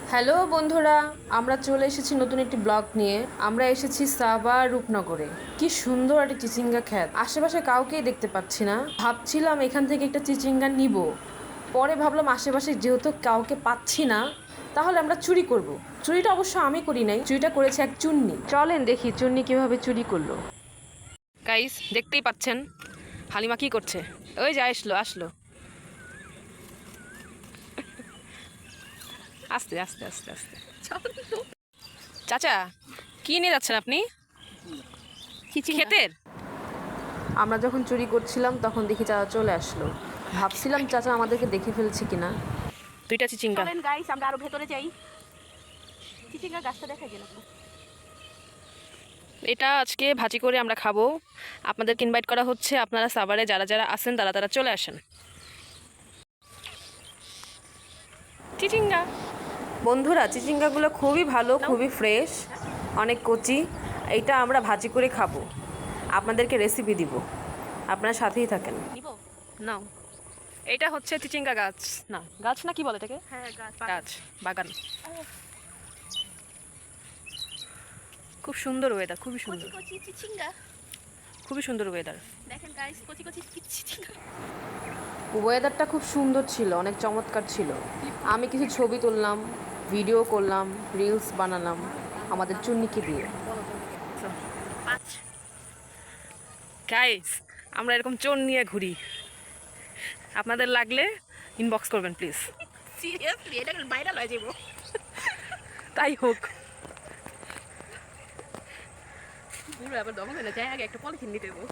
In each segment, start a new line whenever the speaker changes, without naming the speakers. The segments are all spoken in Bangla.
হ্যালো বন্ধুরা, আমরা চলে এসেছি নতুন একটি ব্লগ নিয়ে। আমরা এসেছি সাভার রূপনগরে। কি সুন্দর একটা চিচিঙ্গা ক্ষেত, আশেপাশে কাউকেই দেখতে পাচ্ছি না। ভাবছিলাম এখান থেকে একটা চিচিঙ্গা নিব, পরে ভাবলাম আশেপাশে যেহেতু কাউকে পাচ্ছি না, তাহলে আমরা চুরি করব। চুরিটা অবশ্য আমি করি নাই, চুরিটা করেছে এক চুন্নি। চলেন দেখি চুন্নি কিভাবে চুরি করলো। গাইস, দেখতেই পাচ্ছেন হালিমা কি করছে। ওই যে আসলো আসলো, আস্তে আস্তে আস্তে আস্তে। চাচা, কি নিয়ে যাচ্ছেন আপনি? ক্ষেতের। আমরা যখন চুরি করছিলাম তখন দেখি চাচা চলে আসলো। ভাবছিলাম চাচা আমাদেরকে দেখে ফেলছে কিনা। দুইটা চিচিঙ্গা।
চলেন গাইস, আমরা আরো ভেতরে যাই। চিচিঙ্গা গাছটা দেখা গেল।
এটা আজকে ভাজি করে আমরা খাবো। আপনাদেরকে ইনভাইট করা হচ্ছে, আপনারা সাভারে যারা যারা আছেন তারা তারা চলে আসেন। চিচিঙ্গা বন্ধুরা, চিচিঙ্গাগুলো খুবই ভালো, খুবই ফ্রেশ, অনেক কচি। এইটা আমরা ভাজি করে খাবো, আপনাদেরকে রেসিপি দিব, আপনারা সাথেই থাকেন। নাও, এটা হচ্ছে চিচিঙ্গা গাছ। না গাছ না, কি বলে এটাকে?
হ্যাঁ,
গাছ, বাগান। খুব সুন্দর ওয়েদার, খুবই সুন্দর,
কচি চিচিঙ্গা
খুবই সুন্দর ওয়েদার।
দেখেন গাইস, কচি কচি চিচিঙ্গা।
ওয়েদারটা খুব সুন্দর ছিল, অনেক চমৎকার ছিল। আমি কিছু ছবি তুললাম, ভিডিও করলাম, রিলস বানালাম আমাদের চুন্নিকে দিয়ে। গাইস, আমরা এরকম চোর নিয়ে ঘুরি, আপনাদের লাগলে ইনবক্স করবেন প্লিজ।
সিরিয়াসলি এটা ভাইরাল হয়ে যাবো।
তাই হোক।
পুরো আবার দমন হয়ে যায়, আগে একটা পলিথিন নিতে দেবো।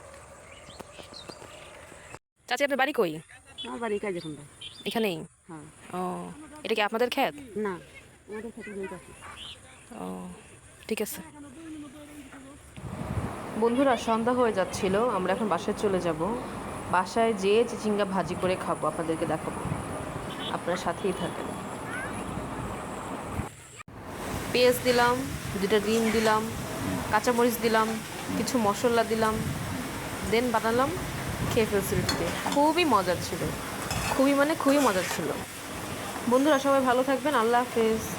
চাচি, আপনার বাড়ি কই?
আমার বাড়ি কাজে কোনটা?
এখানেই।
হ্যাঁ।
ও, এটা কি আপনাদের ক্ষেত?
না, আমাদের খেতে জমিতে আছে।
ও, ঠিক আছে। বন্ধুরা, সন্ধ্যা হয়ে যাচ্ছিল, আমরা এখন বাসায় চলে যাব। বাসায় যেয়ে চিচিঙ্গা ভাজি করে খাবো, আপনাদেরকে দেখাবো, আপনারা সাথেই থাকেন। পেঁয়াজ দিলাম, দুটা ডিম দিলাম, কাঁচামরিচ দিলাম, কিছু মশলা দিলাম, দেন বানালাম, খেয়ে ফেলছি রুটিতে। খুবই মজার ছিল, খুবই মানে খুবই মজার ছিল। বন্ধুরা, সবাই ভালো থাকবেন, আল্লাহ হাফেজ।